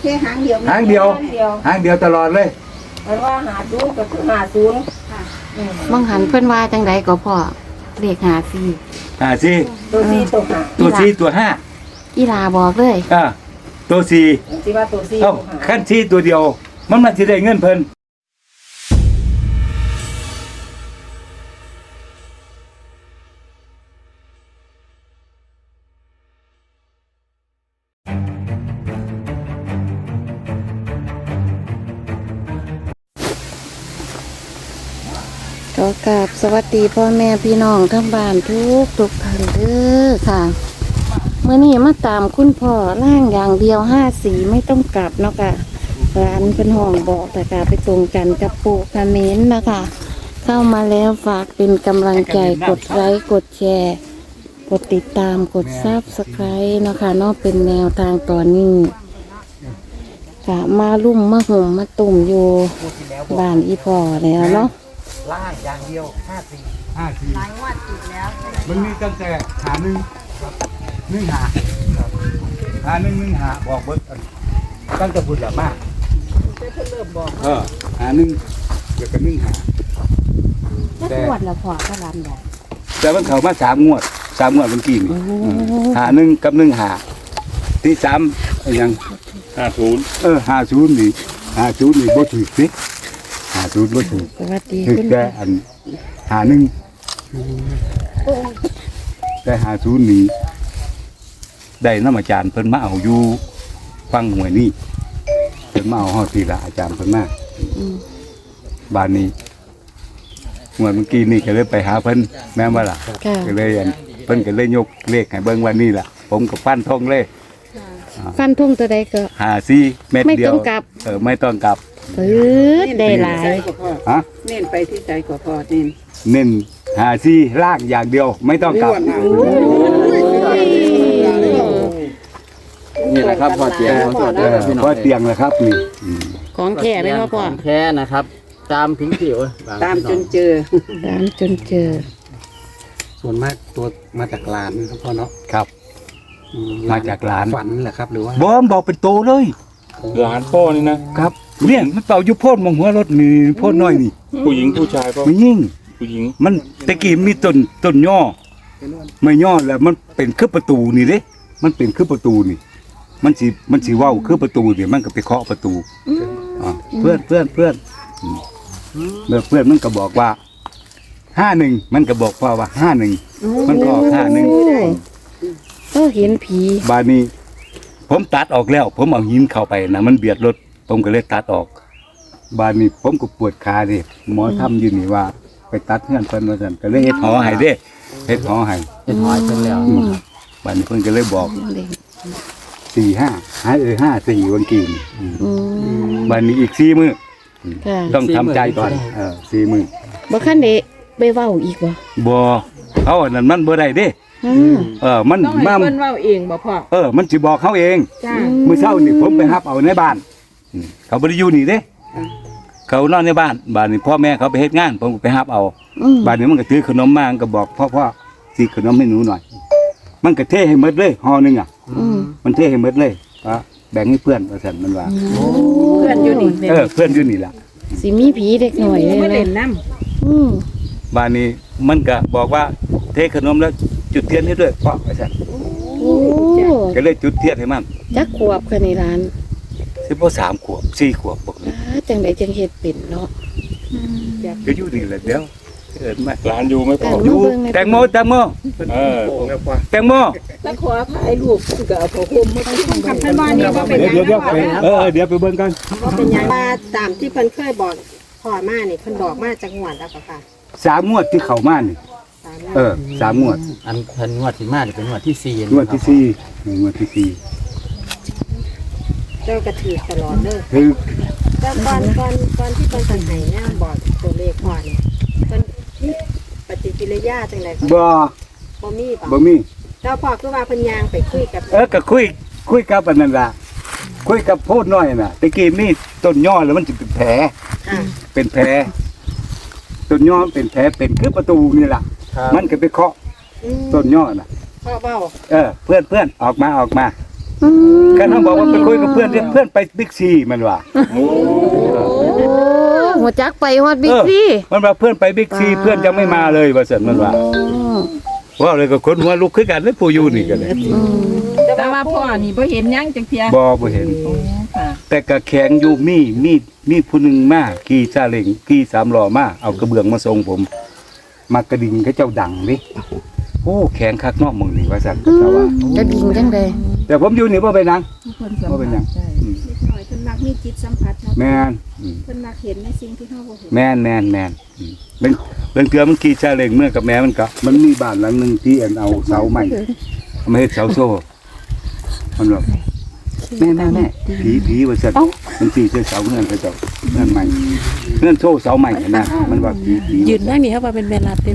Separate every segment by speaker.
Speaker 1: แค่หางเดียว
Speaker 2: หางเดียวตลอดเลย
Speaker 3: เพราะว่า50ก็คือ50
Speaker 1: ค่ะ
Speaker 4: มองหันเพิ่นว่าจังไดก็พ่อเลข54
Speaker 2: สี่
Speaker 3: ตัว4ตัว5
Speaker 2: ตัวสี่ตัวห้า
Speaker 4: อีลาบอกเลย
Speaker 2: ตัวสี่
Speaker 3: สิว่าตัว4
Speaker 2: เอ้า
Speaker 3: ตัว5
Speaker 2: ขั้นสี่ตัวเดียวมันสิได้เงินเพิ่น
Speaker 4: ขอกราบสวัสดีพ่อแม่พี่น้องทั้งบ้านทุกท่านเด้อค่ะเมื่อนี้มาตามคุณพ่อร่างอย่างเดียว54ไม่ต้องกลับเนาะค่ะร้านเป็นห้องบอกแต่กาไปตรงกันกับปู่คาเมนนะคะ เข้ามาแล้วฝากเป็นกำลังใจกดไลค์กดแชร์กดติดตามกดซับสไครต์เนาะค่ะเนาะเป็นแนวทางตอนนี้ค่ะมาลุ่มมาห่มมาตุ่มอยู่บ้านอีพ่อแล้วเนาะ
Speaker 2: ล่างอย่างเดียว54หลายงวดติดแล้วมันมีตั้งแต่หา1บอกเบิดตั้งแต่พุ่นละมาหา1เดี๋ยวก็1หา
Speaker 4: จักงวดละพ่อก็รำได้
Speaker 2: แต่มันเข้ามา3 งวดเมื่อกี้นี่หา1กับ1หาที่3อะไรยัง50 50นี่บ่ถูกสิ50บ่ถูก
Speaker 4: สวัสดี
Speaker 2: ถูก
Speaker 4: คุณ
Speaker 2: แต่อันหา1แต่50นี่ได้นำอาจารย์เพิ่นมาเอาอยู่ฟังหวยนี่เพิ่นมาเอาฮอดทีละอาจารย์เพิ่นมาบ้านนี้เมื่อกี้นี่ก็เลยไปหาเพิ่นแม่นบ่ล่ะ
Speaker 4: ค่ะ
Speaker 2: ก็เลยอันเพิ่นก็เลยยกเลขให้เบิ่งว่านี่ล่ะผมก็ฟันธงเลย
Speaker 4: ฟันทุ่งตัวใดก็
Speaker 2: 54เม็ดเดียว
Speaker 4: ไม่ต้องกลับ
Speaker 2: ไม่ต้องกลับ
Speaker 4: ได้หลาย
Speaker 2: ฮะ
Speaker 1: เน้นไปที่ใจก็พอเน้น
Speaker 2: เน้น54ลากอย่างเดียวไม่ต้องกลับ
Speaker 5: นี่แหละครับพอเตียงของสดเลยพี่น้อง
Speaker 2: พอเตียงแล้วครับนี่
Speaker 4: ของแท้ไหมพ่อ
Speaker 5: ของแท้นะครับ ตามพิงผิว
Speaker 1: ตามจนเจอ
Speaker 4: ตามจนเจอ
Speaker 6: ส่วนมากตัวมาจากหลานครับพ่อเนาะ
Speaker 2: ครับ มาจากหลาน
Speaker 6: ฝันเหรอครับหรือว่า
Speaker 2: บอมบอกเป็นโตเลย
Speaker 7: หลานพ่อนี่นะครับ
Speaker 2: เนี่ยมันเป่าอยู่โพ่นมองหัวรถนี่โพ่นน้อยนี่
Speaker 7: ผู้หญิงผู้ชายก็
Speaker 2: มันยิ่ง
Speaker 7: ผู้หญิง
Speaker 2: มันตะกี้มีต้นย่อไม่ย่อแล้วมันเป็นคือประตูนี่เด้มันเป็นคือประตูนี่ มันสิเว้าคือประตูนี่มันก็ไปเคาะประตูเพื่อนแล้วเพื่อนมันก็บอกว่า51มันก็บอกพ่อว่า51มันก็ออก51
Speaker 4: ก็เห็นผี
Speaker 2: บาดนี้ ผมตัดออกแล้ว ผมเอาหินเข้าไปนะมันเบียดรถผมก็เลยตัดออก บาดนี้ผมก็ปวดขาดิหมอทำอยู่นี่ว่า ไปตัดเงื่อนเพิ่นว่าซั่นก็เลยเฮ็ดหอให้เด้เฮ็ดหอให้
Speaker 5: เป็นหอยเป็นแล้ว
Speaker 2: บาดนี้เพิ่นก็เลยบอก 4554วันกี้นี่บาดนี้อีก4มื้อ
Speaker 4: ค่ะ
Speaker 2: ต้องทำใจก่อน4มื้อ
Speaker 4: บ่คันเดไปเว้าอีกบ่
Speaker 2: บ่เอาอันนั้นมันบ่ได้เด้ มัน
Speaker 1: ต้องให้เพิ่นเว้าเองบ่พ่อ
Speaker 2: มันสิบอกเขาเอง
Speaker 1: จ้า
Speaker 2: มื้อเช้านี่ผมไปรับเอาในบ้านเขาบ่ได้อยู่นี่เด้เขานอนในบ้านบ้านนี้พ่อแม่เขาไปเฮ็ดงาน ผมก็ไปรับเอาบ้านนี้มันก็ถือขนมมามันก็บอกพ่อสิขนมให้หนูหน่อย มันก็เทให้หมดเลยห่อนึงมันเทให้หมดเลยแบ่งให้เพื่อนว่าซั่นมันว่า
Speaker 1: เพื่อนอยู่นี่
Speaker 2: เพื่อนอยู่นี่ล่ะ
Speaker 4: สิมีผีเด็กหน่อยเลย
Speaker 1: ไม่เล่น
Speaker 4: นะ
Speaker 1: น้
Speaker 2: บ้านนี้มันก็บอกว่าเทขนมแล้วจุดเทียนให้ด้วยพ่อว่าซั่น
Speaker 4: โอ้
Speaker 2: ก็เลยจุดเทียนให้มัน
Speaker 4: จักขวบค่ะในร้าน
Speaker 2: สิบ่3 ขวบ4 ขวบบอก
Speaker 4: จังไดจังเฮ็ดเป็นเนาะ
Speaker 2: ก็อยู่นี่แหละเดี๋ยวเอิ้นมา
Speaker 7: หลานอยู่ไหมพ่อ
Speaker 2: อยู่แตงโม
Speaker 7: เออ
Speaker 2: แตงโม
Speaker 1: ำแล้วขอถ่ายรูปก็เอาผ้าห่มมาให้กับเพิ่นว่านี่บ่เป็นหยัง
Speaker 2: เดี๋ยวเดี๋ยวไปเบิ่งกัน
Speaker 1: บ่เป็นหยังว่าตามที่เพิ่นเคยบอกพ่อมานี่เพิ่นบอกมาจังหวัดแล้วก็ค่ะ
Speaker 2: 3 งวดที่เข้ามานี่ 3 งวด
Speaker 5: อันเพิ่นงวดที่มาจะเป็นงวดที่4
Speaker 2: งวดที่4งวดที่4
Speaker 1: เจ้าก็ถือตลอดเด้อ
Speaker 2: คือ
Speaker 1: แล้วก่อนที่เพิ่นสิให้เนี่ยบอกตัวเลขพ่อนี่เพิ่นมีปฏิกิริยาจังได๋ก็
Speaker 2: บ่
Speaker 1: มีป่ะ
Speaker 2: บ่มี
Speaker 1: แล้วพ่อคือว่าเพิ่นย่างไปคุยกับ
Speaker 2: ก็คุยกับอันนั้นล่ะคุยกับโพดน้อยน่ะตะกี้นี่ต้นย่อแล้วมันสิเป็นแผล
Speaker 1: อ่า
Speaker 2: เป็นแผลต้นย่อเป็นแผลเป็นคือประตูนี่ล่ะมันก็ไปเคาะต้นย่อน่ะ
Speaker 1: พ่อเว้า
Speaker 2: เพื่อนออกมากันทั้งบอกว่าไปคุยกับเพื่อนเรียกเพื่อนไปบิ๊กซีมันว่า
Speaker 4: โอ้หัวจักไปฮอดบิ๊กซี่
Speaker 2: มันว่าเพื่อนไปบิ๊กซีเพื่อนยังไม่มาเลยว่าซั่นมันว่าว่าเลยก็คนหัวลุกคือกันเลยผู้อยู่นี่กันเลย
Speaker 3: แต่ว่าพ่อนี่บ่เห็นหยังจังเทีย
Speaker 2: บ่เห็น
Speaker 3: ค่ะ
Speaker 2: แต่ก็แข็งอยู่มีผู้หนึงมาขี่ซาเล้งขี่สามล้อมาเอากระเบื้องมาส่งผมมากระดิ่งเขาเจ้าดังดิโอ้แข็งคักเนาะมึงนี่ว่าซั่นแต่ว่า
Speaker 4: จะดิ่งจังได๋
Speaker 2: แต่ผมอยู่นี่บ่เป็นหยัง
Speaker 3: เพิ่นสัม
Speaker 2: บ่เป็นหยัง
Speaker 3: ผัสได้
Speaker 2: อืม
Speaker 1: นิดหน่อยเพิ่นมักมีจิตสัมผัสเนาะ
Speaker 2: แม่นอืม
Speaker 1: เพิ่นมักเห็นในสิ่งที่เฮาบ่เห็น
Speaker 2: แม่นอืมเบิ่งเทื่อมันขี่ซาเล้งเมื่อกับแม่มันก็มันมีบ้านหลังหนึงที่อันเอาเสาใหม่เอามาเฮ็ดเสาโซ่มันบอกแม่ผีว่าซั่นมันตีเสาเงื่อนเขาเจ้าเงื่อนใหม่เงื่อนโซ่เสาใหม่นะมันว่าผี
Speaker 8: ยืนนั่งนี่ครับว่าเป็นเวลาเต็ม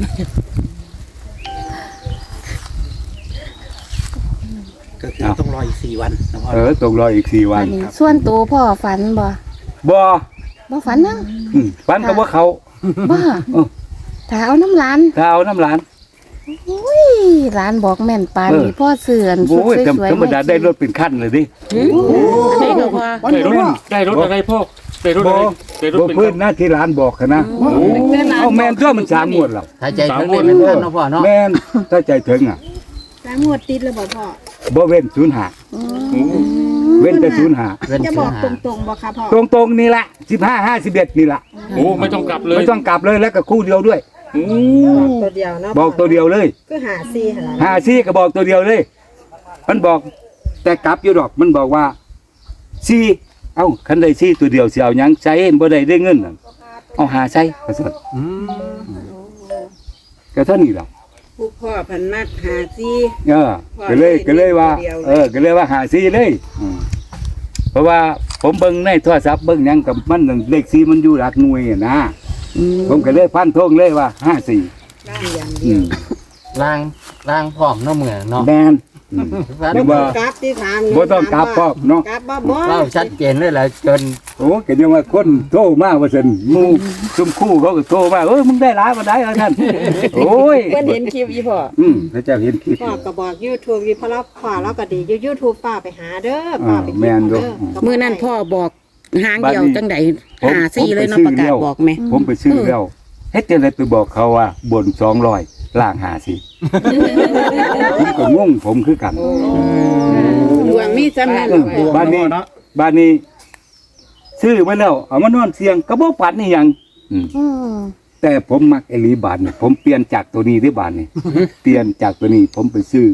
Speaker 6: ก็คือต้องรออีก4 วันนะพ่อ
Speaker 2: ตกรออีก4 วั
Speaker 4: อั
Speaker 2: น
Speaker 4: นนี้ส่วนตัวพ่อฝันบ่
Speaker 2: บ่
Speaker 4: บ่ฝันนัง
Speaker 2: ฟันกับว่าเขา
Speaker 4: บ่
Speaker 2: เออ
Speaker 4: ถ้าเอาน้ำร้าน
Speaker 2: ถ้าเอาน้ำหลาน
Speaker 4: อุ้ยร้านบอกแม่นปานนี่พ่อเสื่อนสุด
Speaker 2: โอ้ย
Speaker 4: สวย
Speaker 2: ธรรมดาได้รถเป็นขั้นเลยดิ
Speaker 8: ได้ก็พอ
Speaker 7: ได้รถได้รถอะไรพ่อได้รถ
Speaker 2: บ่
Speaker 7: อะไรได้รถ
Speaker 2: บ่
Speaker 7: เป็น
Speaker 2: พื้นหน้าที่ร้านบอกค่ะนะเอาแม่นตัวมัน3งวดแล้ว
Speaker 5: ถ้าใจถึงเลยเป็นท่านเนาะพ่อเนาะ
Speaker 2: แม่นถ้าใจถึงอ่ะ
Speaker 1: สามงวดติดแล้วบ่พ่อ
Speaker 2: บ่เว้น05เว้นแต่05
Speaker 5: เว้น
Speaker 1: จะ
Speaker 5: เสื้
Speaker 1: บ
Speaker 5: อ
Speaker 1: อก
Speaker 5: หา
Speaker 1: ตรงๆบ่คะพ่อ
Speaker 2: ตรงๆนี่ละ15 51นี่ละ
Speaker 7: โอ้ไม่ต้องกลับเลย
Speaker 2: ไม่ต้องกลับเลยแล้วก็คู่เดียวด้วย
Speaker 7: โอ้
Speaker 1: บอกตัวเดียวเนาะ
Speaker 2: บอกตัวเดียวเลย
Speaker 1: คือหาซี่หั่นล่ะ
Speaker 2: 54ก็บอกตัวเดียวเลย มันบอกแต่กลับอยู่ดอกมันบอกว่า4เอ้าคันได้4ตัวเดียวสิเอาหยังใช้บ่ได้เงินน่ะเอาหาใช้ว่าซั่น
Speaker 5: อืม
Speaker 2: ก็เท่านี้แหละ
Speaker 3: ผู้พ่อเพันมักหาซี่
Speaker 2: ก็เลยว่า ก็เลยว่าหาซีเลยเพราะว่าผมเบิ่งในโทรศัพท์เบิ่งหยังกับมันเลขซีมันอยู่หลักหน่วยอะนะผมก็เลยพันธงเลยว่า54
Speaker 1: ร่างอย่าง
Speaker 2: อื
Speaker 1: เดียว
Speaker 2: ม
Speaker 5: ล้างพร้อมเนาะเมื่อเนาะ
Speaker 2: แม่น
Speaker 5: ฟัน
Speaker 2: หรือว่า
Speaker 1: กราฟที่ถาม
Speaker 2: บ่ต้องกลับพร้อมเนาะ
Speaker 1: กราฟบ่บ่
Speaker 5: เล่าชัดเจนเลยแหละจน
Speaker 2: โอ้ก็ยังว่าคนโทรมาว่าซั่นหมู่ซุมคู่เขาก็โทรมามึงได้หลายบ่ได้ท่านโอ้ย
Speaker 3: เพิ่นเห็นคลิปอีพ่อ
Speaker 2: พระเจ้าเห็นคลิป
Speaker 1: พ่อก็บอก YouTube อยู่เพราะเราพ่อเราก็ดีอยู่ YouTube ป้าไปหาเด้อป้าไป
Speaker 2: แม่นอยู่
Speaker 8: มื้อนั้นพ่อบอกหางเดียวจังได๋
Speaker 2: ผม
Speaker 8: หาซี่เลยเนาะ
Speaker 2: ผม
Speaker 8: ประ
Speaker 2: ไปซื้
Speaker 8: กาศ
Speaker 2: อแล้ว
Speaker 8: บอกแม่
Speaker 2: ผมไปซื้อแล้วเฮ็ดจังได๋ไปบอกเขาว่าบน200ล่าง50ผมก็งงผมคือกัน
Speaker 3: ดวงมีสำนัก
Speaker 2: บ้านนี้ซื้อมาแล้วเอามานอนเสียงก็บ่ฝันนี่หยังแต่ผมมักไอ้ลีบานนี่ผมเปลี่ยนจากตัวนี้ที่บานนี่เปลี่ยนจากตัวนี้ ผมไปซื้อ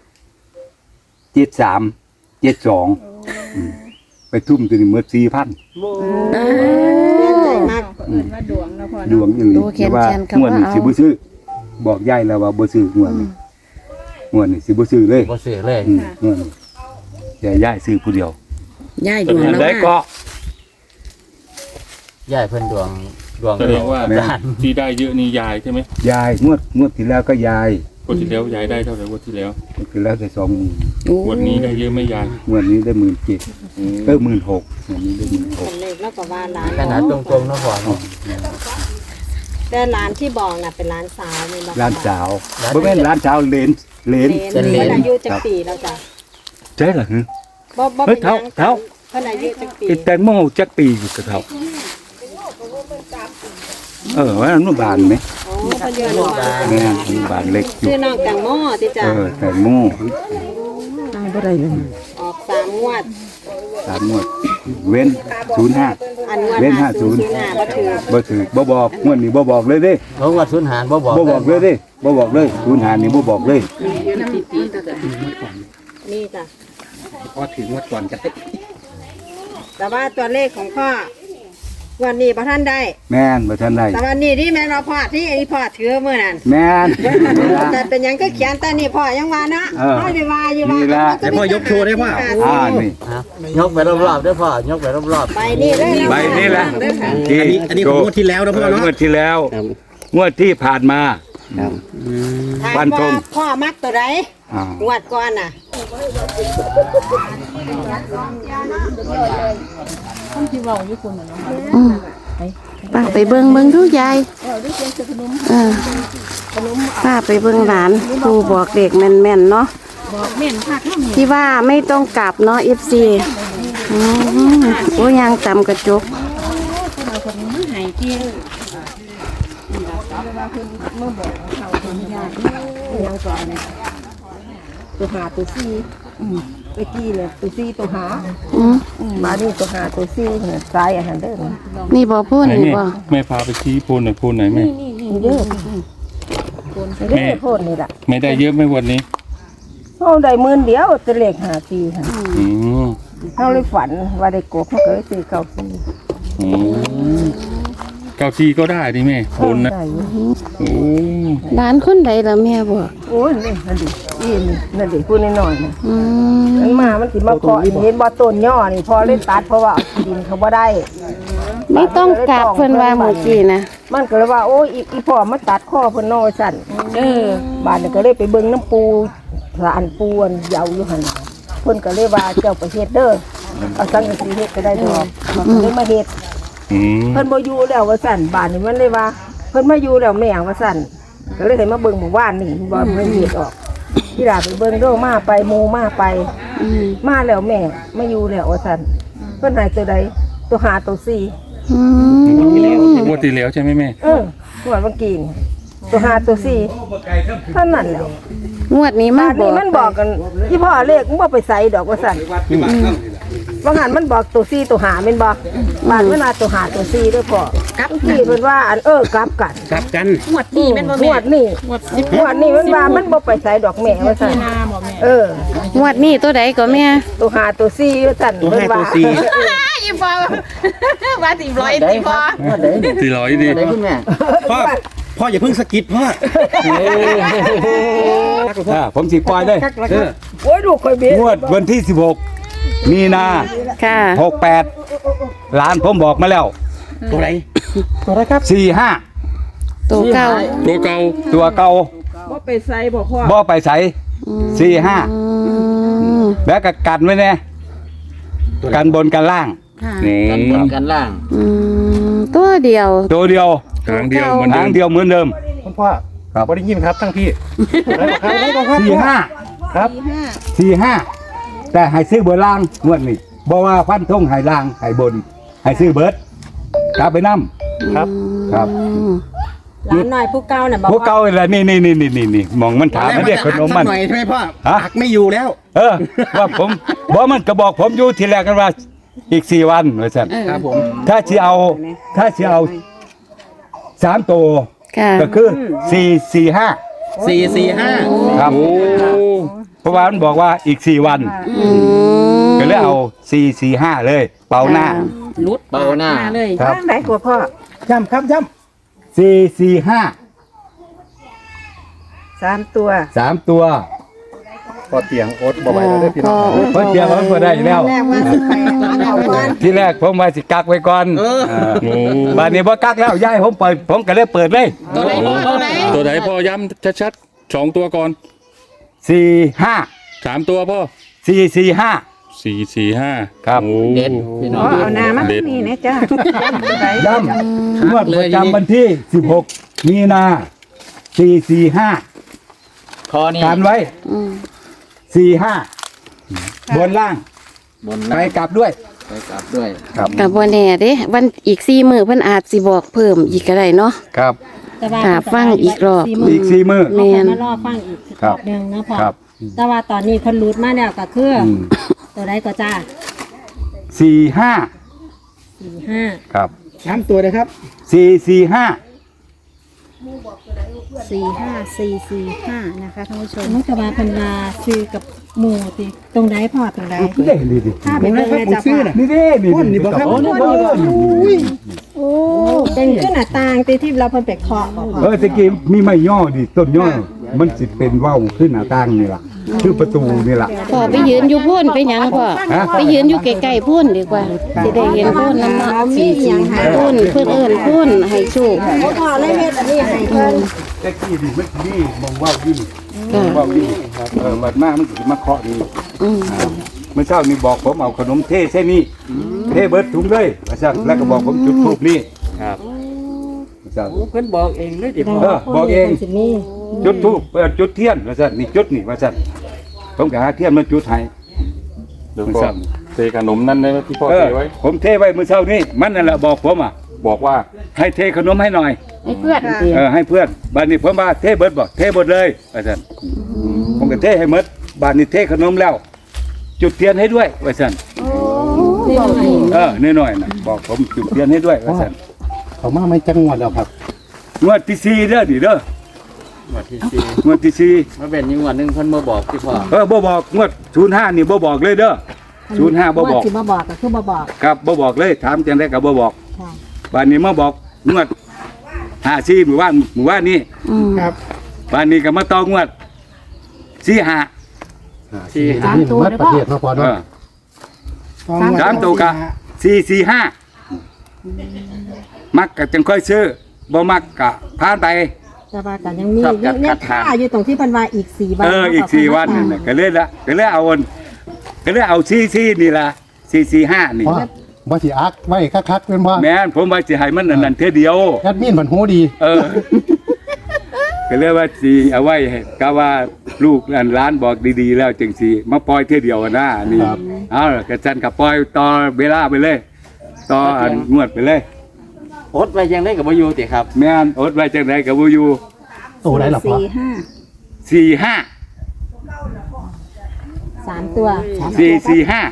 Speaker 2: 73 72ไปทุ่มตัวนี้หมด4,000
Speaker 1: เปลี่ยนใจมาก
Speaker 3: เอิ้นว่าดวงเนาะพ่อ
Speaker 2: ดวงอีหลี
Speaker 4: ตัวแขน
Speaker 2: ว่า
Speaker 4: แขนกับ
Speaker 2: งวดนี้
Speaker 4: ว่าเอา
Speaker 2: สิบ่ซื้อบอกยายแล้วว่าบ่ซื้องวดนี้งวดนี้สิบ่ซื้อเลย
Speaker 5: บ่เสือเลย
Speaker 2: งวดนี้แต่ยายซื้อผู้เดียว
Speaker 8: ย้ายด
Speaker 7: แส
Speaker 8: วง
Speaker 7: ดง
Speaker 8: แล้ว
Speaker 2: ได้
Speaker 8: ว่า
Speaker 2: ก็
Speaker 5: ย่ายเพิ่นดวง
Speaker 7: แสดงว่า
Speaker 2: แม่
Speaker 7: ที่ได้เยอะนี่ยายใช่ไหม
Speaker 2: ยายงวดที่แล้วก็ยาย
Speaker 7: วันที่แล้วยายได้เท่าไหร่วันที่แล้ว
Speaker 2: งวดที่แล้วได้2
Speaker 8: โอ้
Speaker 7: วันนี้ได้เยอะไหม่ยาย
Speaker 2: งวดนี้ได้17,00016,000งวดนี้ได้
Speaker 1: คนเล็กแล้วก็ว่าร้าน
Speaker 5: ขนาดตรงๆเนาะพ่อเนาะ
Speaker 1: แต่ร้านที่บอกน่ะเป็นร้านสาวแม่นบ่
Speaker 2: ร้านสาวบ่แม่นร้านสาวเหลน
Speaker 1: เพิ่นอายุจักปีแล้วจ้ะ
Speaker 2: ใช่เหรอฮึ
Speaker 1: บ่
Speaker 2: เฮ้
Speaker 1: เป็
Speaker 2: ย
Speaker 1: นหยัง
Speaker 2: เท่า
Speaker 1: เพิ่นอายุจักปี
Speaker 2: ไอ้แตงโมจักปีอยู่กับเขาว่าอนุบาลไหม
Speaker 1: อ๋อเพิ่นอยู่อนุบาล
Speaker 2: แม่อนุบาลเล็กอยู่
Speaker 1: ชื่อน้องแตงโมติจ้ะ
Speaker 2: แตงโม
Speaker 8: บ่ได้เลย
Speaker 1: ออก3งวด
Speaker 2: 3งวดเว้น05
Speaker 1: อันงวด
Speaker 2: เว้น
Speaker 1: 5005บ่ถือ
Speaker 2: บ่บอกงวดนี้บ่บอกเลยเด้
Speaker 5: เพราะว่าสุนหารบ่บอก
Speaker 2: บ่บอกเลยเด้บ่บอกเลย05นี่บ่บอกเลย
Speaker 1: นี่จ้ะ
Speaker 6: พอถึงงวดก่อนจะได้
Speaker 1: แต่ว่าตัวเลขของพ่อวันนี้บ่ทันได้
Speaker 2: แม่นบ่ทันได้
Speaker 1: แต่วันนี้ที่แม่นเราพ่อที่อันนี้พ่อถือมื้อนั้น
Speaker 2: แม่น
Speaker 1: แต่เป็นหยังก็เขียนแต่นี่พ่อยังว่าเนาะ
Speaker 2: เออ
Speaker 1: พ่อได้ว่าอยู่ว่า
Speaker 2: นี่ล่ะ
Speaker 6: แต่พ่อยกโชว์ได้พ่อ
Speaker 2: นี่
Speaker 5: ยกไปรอบๆด้วยพ่อยกไปรอบ
Speaker 1: ไปนี่เลยนะ
Speaker 2: ใบนี้แหละ
Speaker 6: อันนี้ของงวดที่แล้วนะพ่อเนาะ
Speaker 2: งวดที่แล้ว งวดที่ผ่านมา
Speaker 1: ถาม
Speaker 2: ฟันธ
Speaker 1: ว่าง พ่อมักตัวใด
Speaker 2: อ่าง
Speaker 1: วดก่อนน่ะ
Speaker 4: ป้าไปเบิ่งดูยายป้าไปเบิ่งหลานครูบอกเด็กแม่นๆเนาะที่ว่าไม่ต้องกลับเนาะ FC อืมโอ้ยางต่ำกระจก
Speaker 1: ตัวหาตัวซี่ไปกี้เนี่ยตัวซี่ตัวหา
Speaker 4: อืม
Speaker 1: มานี่ตัวหาตัวซี่เนี่ยซ้ายอาหารเด้อ
Speaker 4: นี่บ่พูด
Speaker 7: ไหน
Speaker 4: นี่
Speaker 7: แม่
Speaker 4: บ่
Speaker 7: แม่พาไปชี้โพนหน่อยโพนไหนแม่
Speaker 1: นี่เด้อเด้อโพดนี่ล่ะ
Speaker 7: ไม่ได้เยอะไหมวันนี้
Speaker 1: เฮาได้10,000เดียวตัวเลข54ค่ะ
Speaker 7: อืม
Speaker 1: เฮาเลยฝันว่าได้กบเฮาก็เลยซื้อ94
Speaker 7: อืมเก้าชี้ก็ได้ดิแม่โพนนะ
Speaker 1: ได้อยู่
Speaker 7: โอ้
Speaker 4: ร้านคนใดล่ะแม่บอก
Speaker 1: โอ้ยนี่นั่นดินั่นดิพูดน้อยๆนะ
Speaker 4: อืม
Speaker 1: มันมามันสิมาเคาะเห็นบ่ต้นย่อนี่พอเล่นตัดเพราะว่าเอาที่ดินเขาบ่ได้
Speaker 4: ไม่ต้องกลับเพิ่นว่าเมื่อกี้นะ
Speaker 1: มันก็เลยว่าโอ้ยอีพ่อมาตัดข้อเพิ่นน้อยสั่นบ้านนี่ก็เลยไปเบิ่งน้ำปูสารปูอันเหยาอยู่หั่นน่ะเพิ่นก็เลยว่าเจ้าไปเฮ็ดเด้อเอาสังกะสีเฮ็ดก็ได้ดอกมันก็เลยมาเฮ็ด
Speaker 7: อืม
Speaker 1: เพิ่นบ่อยู่แล้วว่าสั่นบ้านนี่มันเลยว่าเพิ่นมาอยู่แล้วแม่ว่าสั่นก็เลยให้มาเบิ่งหมู่บ้านนี่บ่เพิ่นเฮ็ดออกที่ลาไปเบิ่งโดมาไปหมู่มาไป มาแล้วแม่มาอยู่แล้วว่าสั่นเพิ่นให้ตัวใดตัวหาตัวสี่
Speaker 4: อืม
Speaker 7: งวดที่แล้วใช่ไหมแม่
Speaker 1: หัวดเมื่อกี้นี่ตัวหาตัวสี่เท่านั้นแหล้ว
Speaker 4: งวดนี้มา
Speaker 1: บ้าน
Speaker 4: บอ
Speaker 1: นี้
Speaker 4: ก
Speaker 1: มันบอกกันที่พ่อเลขมึงบ่ไปใส่ดอกว่าสั่นว่าหันมันบอกตัวสี่ตัวหาแม่นบ่บ้านเวลาตัวหาตัวสี่เด้อพ่อกลับที่เพิ่นว่าอันกลับกัน
Speaker 6: กลับกัน
Speaker 1: งวดนี้มันว่ามันบ่ไปใส่ดอกแม่ว่าสั่น
Speaker 4: งวดนี้ตัวใดก็แม่
Speaker 1: ตัวหาตัวสี่ว่าสั่น
Speaker 6: ตัว
Speaker 1: เพิ่น
Speaker 6: ห้า
Speaker 1: ว่า
Speaker 6: ตัวสี่
Speaker 8: อีพอว่าสิร้อยสิพอ
Speaker 7: สี่ร้อยดิ
Speaker 5: ได้คุณแม่
Speaker 6: พ่ออย่าเพิ่งสะกิดพ่อ
Speaker 2: ผมสิปล่อยได้
Speaker 1: โอ้ยลูกค่อยเบี้ย
Speaker 2: งวดวันที่16มีนา
Speaker 4: ค่ะ
Speaker 2: 68หลานผมบอกมาแล้ว
Speaker 6: ตัวไหน
Speaker 2: 45
Speaker 4: ตัวเก่า
Speaker 7: ตัวเก่า
Speaker 2: ตัวเก่า
Speaker 3: บ่ไปใส่บ่พ่อ
Speaker 2: บ่ไปใส่
Speaker 4: อื
Speaker 2: 45
Speaker 4: ม
Speaker 2: แล้วก็กันไว้แน่กันบนกันล่าง
Speaker 7: อื
Speaker 5: กันบ
Speaker 7: ม
Speaker 5: นกันล่าง
Speaker 4: อืมตัวเดียว
Speaker 2: ตัวเดียว
Speaker 7: ทางเดียวเหมือนเดิ
Speaker 2: ทาง
Speaker 7: ม
Speaker 2: เดียวเหมือนเดิม
Speaker 6: คุณพ่อ
Speaker 2: ครับ
Speaker 6: บ่ได้ยินครับทั้งพี่ได้ครับ
Speaker 2: 45
Speaker 6: ครับ
Speaker 2: 45แต่ให้ซื้อเบอร์ล่างงวดนี้บ่ว่าฟันธงให้ล่างให้บนให้ซื้อเบิดกลับไปนำ
Speaker 6: ครับ
Speaker 2: ครับ
Speaker 4: อืม
Speaker 1: หลานน้อยผู้เก่าน่ะบอก
Speaker 2: พวกเก่าอะไรนี่มองมันถามมันเรียกขนมมัน
Speaker 6: หน่อยใช่ไหมพ่อ
Speaker 2: ฮะ
Speaker 6: หักไม่อยู่แล้ว
Speaker 2: ว่าผมบ่มันก็บอกผมอยู่ทีแรกกันว่าอีก4 วันว่าซั่น
Speaker 6: ครับผม
Speaker 2: ถ้าสิเอา3ตัว
Speaker 4: ค่ะ
Speaker 2: ก็คือ445
Speaker 6: 445
Speaker 2: ครับ
Speaker 7: โอ้
Speaker 2: เพราะว่ามันบอกว่าอีก4 วัน
Speaker 4: อืม
Speaker 2: ก็เลยเอา445เลย เป่าหน้า
Speaker 8: ลุด
Speaker 5: เบาหน้า
Speaker 8: เลย
Speaker 2: ครับ
Speaker 1: ทางไหนกว่าพ่อ
Speaker 6: ย้ำครับย้
Speaker 2: 445
Speaker 1: 3 ตัว
Speaker 2: 3 ตัว
Speaker 6: ำพอเตียงอดบ่ไหวแล้วเด้อพี่น้อง
Speaker 2: เพิ่นเตรียมมันบ่ได้แล้ว
Speaker 1: แรกว่าสิไปเอาก่อน
Speaker 2: ที่แรกผมว่าสิกักไว้ก่อน
Speaker 7: โอ้
Speaker 2: บัดนี้บ่กักแล้วย้ายผมก็เลยเปิดเลย
Speaker 8: ตัวไหนพ่อตัวไหน
Speaker 7: ตัวไหนพ่อย้ำชัดๆ2ตัวก่อน
Speaker 2: 45
Speaker 7: 3ตัวพ่อ
Speaker 2: 445
Speaker 7: 445
Speaker 2: ครับ
Speaker 7: โอ้
Speaker 5: เด็ดพี่น้อง
Speaker 1: เอาน้ำมา
Speaker 7: เด็ด
Speaker 1: นี่นะจ้า
Speaker 2: ย้ำงวดประจำวันที่ 16 มีนา 445
Speaker 5: คอนี่
Speaker 2: การไว้
Speaker 4: อืม
Speaker 2: 45 บนล่าง
Speaker 5: บน
Speaker 2: ไป
Speaker 5: ล่าง
Speaker 2: กลับด้วย
Speaker 5: ไปกลับด้วย
Speaker 2: ครับ
Speaker 4: กับบ่แน่เด้วันอีก4มื้อเพิ่นอาจสิบอกเพิ่มอีกก็ได้เนาะ
Speaker 2: ครับ
Speaker 4: ค่ะฟังอีกรอบ
Speaker 2: อีก4 มื้อ
Speaker 4: แม่น
Speaker 9: มารอฟังอีก
Speaker 2: ครับ
Speaker 9: หนึ่งนะพ่อ
Speaker 2: ครับ
Speaker 9: แต่ว่าตอนนี้เพิ่นรูดมาแล้วก็คือ
Speaker 2: อืม
Speaker 9: ตัวใดก็จ้า
Speaker 2: 45
Speaker 9: 45
Speaker 2: ครับ
Speaker 6: 3ตัวเลยครับ
Speaker 2: 445
Speaker 9: 45445นะคะท่านผู้ชมมันก็ว่าเพิ่นว่าซื้อกับหมู่ติตรงใดพ่อตรงใด
Speaker 2: นี่ดิ
Speaker 9: ถ้าไปเบิ่งแม่จ้าพ่อ
Speaker 2: นี่ดินี่
Speaker 6: พ่นนี่บ่ครับ
Speaker 2: โอ้นี่บ่
Speaker 9: โอ้เป็นขึ้นหน้าต่างติที่เราเพิ่นไปเคาะบ่พ่อ
Speaker 2: ตะกี้มีไม้ย่อดิต้นย่อ มันสิเป็นเว้าขึ้นหน้าต่างนี่ล่ะคือประตูนี่ล่ะ
Speaker 4: พ่อไปยืนอยู่พุ่นไปหยังพ่อ
Speaker 2: ฮะ
Speaker 4: ไปยืนอยู่ใกล้ๆพุ่นดีกว่าสิได้เห็นพุ่นนำเนาะ
Speaker 9: มีหยังหา
Speaker 4: พุ่นเพิ่นเอิ้นพุ่นให้โชค
Speaker 9: พ่อเลยเฮ็ดอันนี้ให้เพิ่น
Speaker 2: ตะกี้ดิมันสินี่มองเว้าอยู่นี่
Speaker 4: ค่ะ
Speaker 2: เว้าอยู่บัดมามันสิมาเคาะนี่
Speaker 4: อืม
Speaker 2: เมื่อเช้านี่บอกผมเอาขนมเทใช่นี่เทเบิดถุงเลยว่าซั่นแล้วก็บอกผมจุดธูปนี่ครับว่าซั่น
Speaker 3: เพิ่นบอกเองเลยดิพ่อ
Speaker 2: บอกเอง
Speaker 9: พิ่นสิมี
Speaker 2: จุดธูปจุดเทียนว่าซั่นนี่จุดนี่ว่าซั่นผมก็หาเทียนมาจุดให้
Speaker 7: เดี๋ยวก็เทขนมนั่นนะที่พ่อ
Speaker 2: เอ
Speaker 7: เท
Speaker 2: อ
Speaker 7: ไว้
Speaker 2: ผมเทไว้มื้อเช้านี้มันนั่นแหละบอกผมอ่ะ
Speaker 7: บอกว่า
Speaker 2: ให้เทขนมให้หน่อย
Speaker 4: ให้เพื่อนสิ
Speaker 2: ให้เพื่อนบ้านนี้ผมว่าเทเบิดบ่เทเบิดเลยว่าซั่นผมก็เทให้หมดบ้านนี้เทขนมแล้ว จุดเทียนให้ด้วยว่าซั่น น้อยๆนะบอกผมจุดเทียนให้ด้วยว่าซั่น
Speaker 6: เขามาไม่จังหวัดแล้วครับ
Speaker 2: งวดที่4เด้อนี่เด้อ
Speaker 5: วันที่สี่
Speaker 2: งวดที่
Speaker 5: มาเป็นยังวันหนึงเพิ่นมาบอกที่พ่อ
Speaker 2: 4บ่บอกงวด05นี่บ่บอกเลยเด้อ05บ่บอก
Speaker 9: สิมาบอกก็คือมาบอก
Speaker 2: ครับบ่บอกเลยถามจังได๋ก็บ่บอก
Speaker 9: ค่ะ
Speaker 2: บ้านนี้มาบอกงวด54หมู่บ้านนี้
Speaker 6: ครับ
Speaker 2: บ้านนี้ก็มาต่องวด45
Speaker 5: ที่
Speaker 6: นี่มัดประเทศเนาะพอ
Speaker 2: เอ
Speaker 6: เนาะ
Speaker 2: อ3ตัวก็445มักก็จังค่อยซื้อบ่มักก็ผ่านไป
Speaker 9: แต่ว่ากันยังมีเนี่ยค่าอยู่ตรงที่เพันวาอีก4 วัน
Speaker 2: อีก4วันนั่นน่ะก็เลยเอา44นี่ล่ะ445นี่
Speaker 6: ว่าบ่สิอักไว้คักๆเป็นว่า
Speaker 2: แม่นผมว่าสิให้มันอันนั้นเท่อเดียว
Speaker 6: แอดมินมันหูดี
Speaker 2: ก็เลยว่าสิเอาไว้ให้ก็ว่าลูกหลานบอกดีๆแล้วจังสิมาปล่อยเท่อเดียวอะนะนี่เอากระจันกับปล่อยต่อเวลาไปเลยต่ออันงวดไปเลย
Speaker 5: อดไว้ยังได้กับบ่อยู่ติครับ
Speaker 2: แม่นอดไว้จังไดก็บ่อยู่
Speaker 6: โตได้หรอพ่อ
Speaker 2: 45
Speaker 9: 3 ตัว
Speaker 2: 445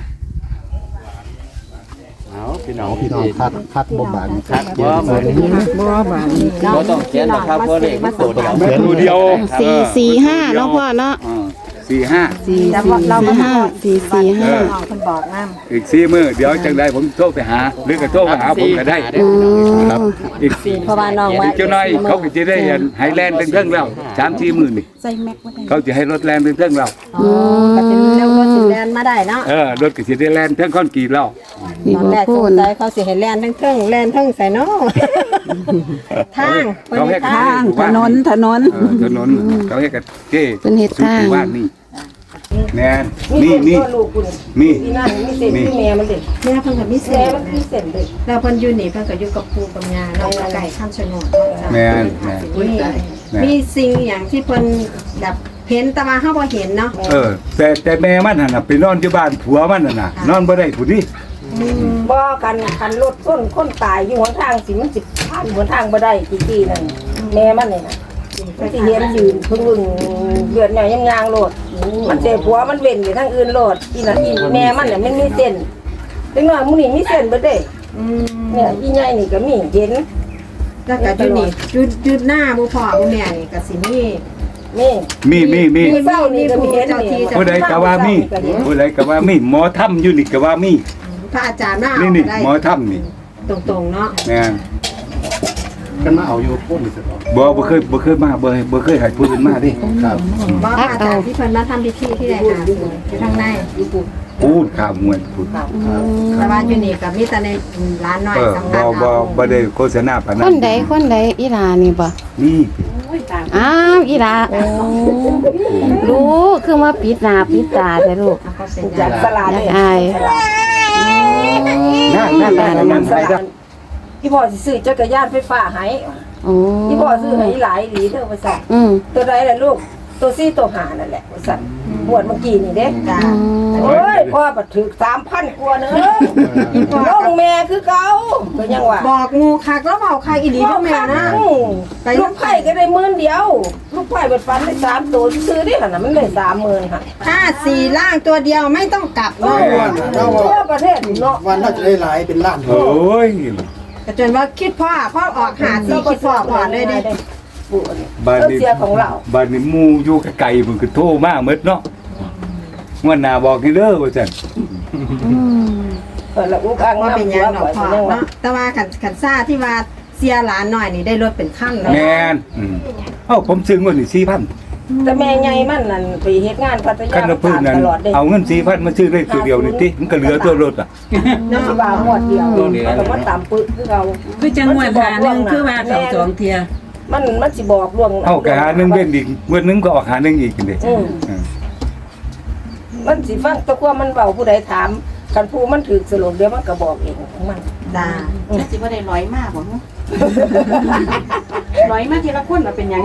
Speaker 5: เอาพี่น้อง
Speaker 6: พี่น้องคัดบ่บาน
Speaker 5: คัดบ่บ่บ่ต้องเขียนนะครับเพราะเลขมันตัวเดียว
Speaker 2: แม่นตัวเดียว
Speaker 4: 445เนาะพ่อเนาะ
Speaker 2: 45
Speaker 9: แต่ว่าเรามา
Speaker 4: 445
Speaker 9: น้องเพิ่นบอกนำ
Speaker 2: อีก4มื้อเดี๋ยวจังไดผมโทรไปหาหรือก็โทรมาหาผมก็ได้ ครับอีก
Speaker 9: เพราะว่าน้องว่า
Speaker 2: อีกเจ้าน้อยเขาก็จะได้ไฮแลนด์เทิงๆแล้ว3-4มื้อนี่
Speaker 9: ใส่แม็กบ่ได้
Speaker 2: เขาจะให้รถแลนด์เทิงๆแล้ว
Speaker 9: อ๋อก็สิเร็วก็สิแล่นมาได้เนาะ
Speaker 2: รถก็สิได้แลนด์เทิงคอนกรีตแล้ว
Speaker 4: นี่
Speaker 9: ตอน
Speaker 4: บ่
Speaker 9: แรก
Speaker 4: พู
Speaker 9: ส
Speaker 4: ด
Speaker 9: งสัยเขาสิให้แล่นทั้งเทิงแล่นทั้งใส่เนาะทาง
Speaker 2: เขาให้
Speaker 9: ทาง
Speaker 2: ถนนถนนเขาให้กับเจ้
Speaker 4: เป็นเฮ็ดทาง
Speaker 2: สุบ้านนี่แน่นี่
Speaker 1: ลูกคุณ
Speaker 2: มี
Speaker 1: นี่นั่นมีเส้นที่แม่มันเด็ก
Speaker 9: แม่เพิ่นก็มี
Speaker 1: แม่
Speaker 9: เส้น
Speaker 1: มันมีเส้นเด็ก
Speaker 9: แล้วเพิ่นอยู่นี่เพิ่นก็อยู่กับปู่กับย่าเนาะไก่ข้ามชะโนดเนาะ
Speaker 2: แม่นแม่น
Speaker 9: มีสิ่งอย่างที่เพิ่นแบบเห็นแต่ว่าเฮาบ่เห็นเนาะ
Speaker 2: แต่แม่มันน่ะไปนอนอยู่บ้านผัวมันน่ะนอนบ่ได้ผู้นี้
Speaker 1: บ่กันรถส้นคนตายอยู่หนทางสิมันสิผ่านหนทางบ่ได้กี่นั่นแม่มันนี่น่ะมันสิเห็นยืนพึ่งเลือดแม่ยังยางโลดมันเจ็บหัวมันเว้นอยู่ทางอื่นโลดอีน่ะอีแม่มันน่ะมันมีเส้นถึงน้อยมื้อนี้มีเส้นบ่ได้เนี่ยอีใหญ่นี่ก็มีเห็น
Speaker 9: แล้วก็อยู่นี่จุดหน้าบ่พ่อบ่แม่นี่ก็สิมี
Speaker 1: นี่
Speaker 2: มี
Speaker 1: เศร้านี่ก็มีเห็นนี่
Speaker 2: ผู้ใดก็ว่ามีผู้ใดก็ว่ามีหมอถ้ำอยู่นี่ก็ว่ามี
Speaker 9: พระอาจารย์มาเอา
Speaker 2: นี่
Speaker 9: ได้
Speaker 2: หมอถ้ำนี่
Speaker 9: ตรงๆเนาะ
Speaker 2: แม่น
Speaker 6: กันมาเอาอยู่พุ่นนี่สิครับ
Speaker 2: บ่เคยมาบ่เคยให้ผู้อื่นมาดิ
Speaker 6: ครับ
Speaker 9: บ่พระอาจารย์ที่เพิ่นมาทำพิธีที่ใดหาอยู่ข้างใน
Speaker 2: พูดข่าวมวยพูด
Speaker 9: แต่ว่าอยู่นี่ก็มีแต่ในร้านน้อยสำคัญ
Speaker 2: บ่ได้โฆษณาปาน
Speaker 4: ค
Speaker 2: นั้น
Speaker 4: นใดอีหลานี่บ่
Speaker 2: นี่
Speaker 4: อ้าวอีหลารู้คือว่าปิดหน้าปิดตาแต่ลูก
Speaker 9: เขาเป็น
Speaker 1: จากสลา
Speaker 4: อยา
Speaker 1: เนี่
Speaker 4: ก
Speaker 1: ย
Speaker 4: อาย
Speaker 2: นั่นใส่เด้อ
Speaker 1: พี่พ่อสิซื้อจักรยานไฟฟ้าให้
Speaker 4: โอ้
Speaker 1: พี่พ่อซื้อให้หลายหลีเด้อว่าซั่น
Speaker 4: อืม
Speaker 1: ตัวใดล่ะลูกตัวซี่ตัวหานั่นแหละว่าซั่นหวดเมื่อกี้นี่เด้จ้าโอ้ยพ่อบัดถึก 3,000 กว่าเด้อลงแม่คือเก่าก็ยังว่า
Speaker 9: บอกงูคักแล้วเว้าคักอีหลีบ่แม่นะ
Speaker 1: ลูกไผ่ก็ได้10,000เดียวลูกไผ่เบิดฟันได้3ตัวซื้อได้หั่นน่ะมันได้30,000ค่ะ
Speaker 9: ถ้า4ล่างตัวเดียวไม่ต้องกลับเนาะ
Speaker 1: ทั่วประเทศเนาะ
Speaker 6: วันน่าจะได้หลายเป็นล้าน
Speaker 2: โอ้ย
Speaker 9: แต่จนว่าคิดพ่อออกหาสีคิดพ่อก่อนเลยดิ
Speaker 2: บ้านนี้
Speaker 1: เสียของเรา
Speaker 2: บ้านนี้หมู่อยู่ไกลๆมันก็โทรมาหมดเนาะงวดหน้าบอกให้เด้อว่าซั่น
Speaker 1: แล้วอุกอัง
Speaker 9: ว่า
Speaker 1: นำ
Speaker 9: เป็นหยังดอกพ่อเนาะแต่ว่าขันซ่าที่ว่าเสียหลานหน่อยนี่ได้รถเป็นขั้นแล้ว
Speaker 2: แม่นผมซื้องวดนี่4,000
Speaker 1: แต่แม่ใหญ่มันนั่นไปเฮ็ดงานพัทยา
Speaker 2: คันละพื้นนั้น
Speaker 1: ตลอดเด้
Speaker 2: เอาเงิน4,000มาซื้อได้ตัวเดียวนี่ติมันก็เหลือตัวรถอ่ะ
Speaker 1: น้ำบาหมดเดียวมันก็มาตามปึกคือเขา
Speaker 3: คือจังหวัดหาหนึงคือว่าเขาสองเทีย
Speaker 1: มันสิบอกล่วง
Speaker 2: เอากะหาหนึงเว้นอีกงวดหนึงก็ออกหาหนึงอีกนี่
Speaker 1: มันสิฟังแตะกัวมันเว้าผู้ใดถามคันผู้มันถูกสรุปเดี๋ยวมันก็บอกเองของมัน
Speaker 9: จ้า
Speaker 8: แล้วสิบ่ได้ร้อยมากบ่ร้อยมาทีละคนเราเป็นหยัง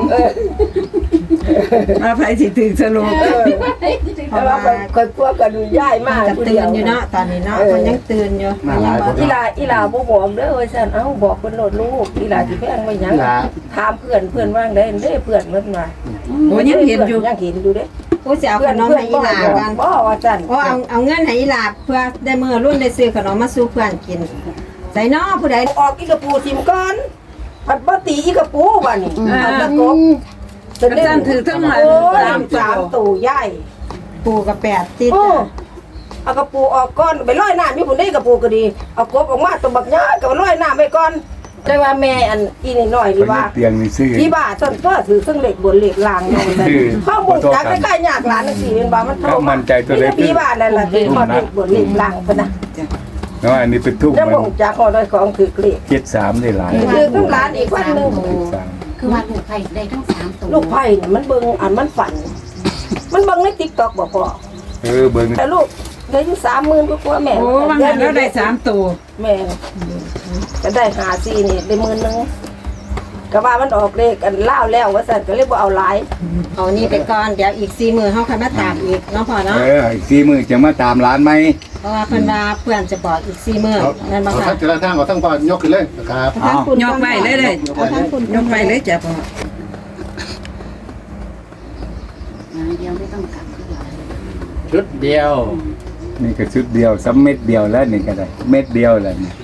Speaker 3: มาไผสิถึงสรุป
Speaker 1: เพราะว่าคนกลัวกันย้ายมา
Speaker 9: จะ
Speaker 1: ผู้
Speaker 9: ตื่
Speaker 1: เดีย
Speaker 9: น
Speaker 1: ว
Speaker 9: อยู่เนาะตอนนี้เนาะมันยังตื่นอยู่
Speaker 6: มาหลายคน
Speaker 1: อีหลาบ่บอกเด้อว่าซั่นเอ้าบอกเพิ่นโลดลูกอีหลาสิแพงไว้หยังถามเพื่อนว่างได้เด้เพื่อนเพิ่นว่า
Speaker 3: โอ้ยังเห็นอยู่
Speaker 1: ยังเห็นอยู่เด้
Speaker 9: ผู้สิเอาขนมให้อีหลากัน
Speaker 1: บ่ว่าซั่น
Speaker 9: โอ้เอาเงินให้อีหลาเพื่อได้มื้อรุ่นได้ซื้อขนมมาสู่เพื่อนกินใส่เนาะผู้ใด
Speaker 1: ออกอีกระปูทิมก่อนผัดบ่ตีอีกระปูบัดนี้เอาตะกบ
Speaker 3: ก็สั่นถือทั้งหลาย
Speaker 1: โอ้ย
Speaker 3: 3
Speaker 1: สาม
Speaker 3: ตัว
Speaker 1: ตู่ใหญ่
Speaker 9: ปูกับ8ติด
Speaker 1: โอ้เอากระปูออกก่อนไปลอยน้ำอยู่พุ่นได้กระปูก็ดีเอากบออกมาตัวบักใหญ่ก็ลอยน้ำไปก่อนแต่ว่าแม่อันอีนี่น้อยนี่ว่า
Speaker 2: เตียงนี่ซื้อ
Speaker 1: ที่บ้านต้นก็ถือเครื่องเหล็กบนเหล็กลางเนาะมันข้อมูลจากใกล้ๆยากหลานจังซี่เป็นบ่ามัน
Speaker 2: ก็มั่นใจตัวเล็ก
Speaker 1: พี่บ้านนั่นล่ะที่ข้อเหล็กบนเหล็กลางพุ่นน่ะ
Speaker 2: เนาะอันนี้เป็นทุก
Speaker 1: จัง
Speaker 2: มัน
Speaker 1: บ่จากข้อได้ของถือเกล็ด
Speaker 2: 73ได้หลาย
Speaker 1: คือทั้งร้านอีกวันหนึง
Speaker 2: 73
Speaker 8: คือว่าถูกไข่ได้ทั้ง3ตัว
Speaker 1: ลูกไผ่นี่มันเบิ่งอันมันฝัน มันเบิ่งใน TikTok บ่พอ
Speaker 2: เบิ่ง
Speaker 1: แต่ลูกได้อยู่30,000กว่าแม่
Speaker 3: โอ้ว่างั้นแล้วได้3ตัว
Speaker 1: แม่ก็ได้54นี่ได้10,000นึงก็ว่ามันออกเลขอันลาวแล้วว่าซั่นก็เลยบ่เอาหลาย
Speaker 9: เอานี่ไปก่อนเดี๋ยวอีก4มื้อเฮาค่อยมาตามอีกเนาะพ่อเนาะ
Speaker 2: อีก4มื้อจะมาตามร้านไหม
Speaker 9: เพราะว่าเพิ่นว่าเพื่อนจะบอกอีก4มื้อนั่นบ่
Speaker 6: เอา
Speaker 9: ค่ะ
Speaker 6: ทั้งแต่ละทางเอาทั้งก่อนยกขึ้นเลยนะครับ
Speaker 3: ยกไปเลยเลยยกไปเลยจ้ะพ่อ
Speaker 8: เดียวไม่ต้องกลับคือว่า
Speaker 5: ชุดเดียว
Speaker 2: นี่ก็ชุดเดียวซ้ำเม็ดเดียวแล้วนี่ก็ได้เม็ดเดียวแล้วนี่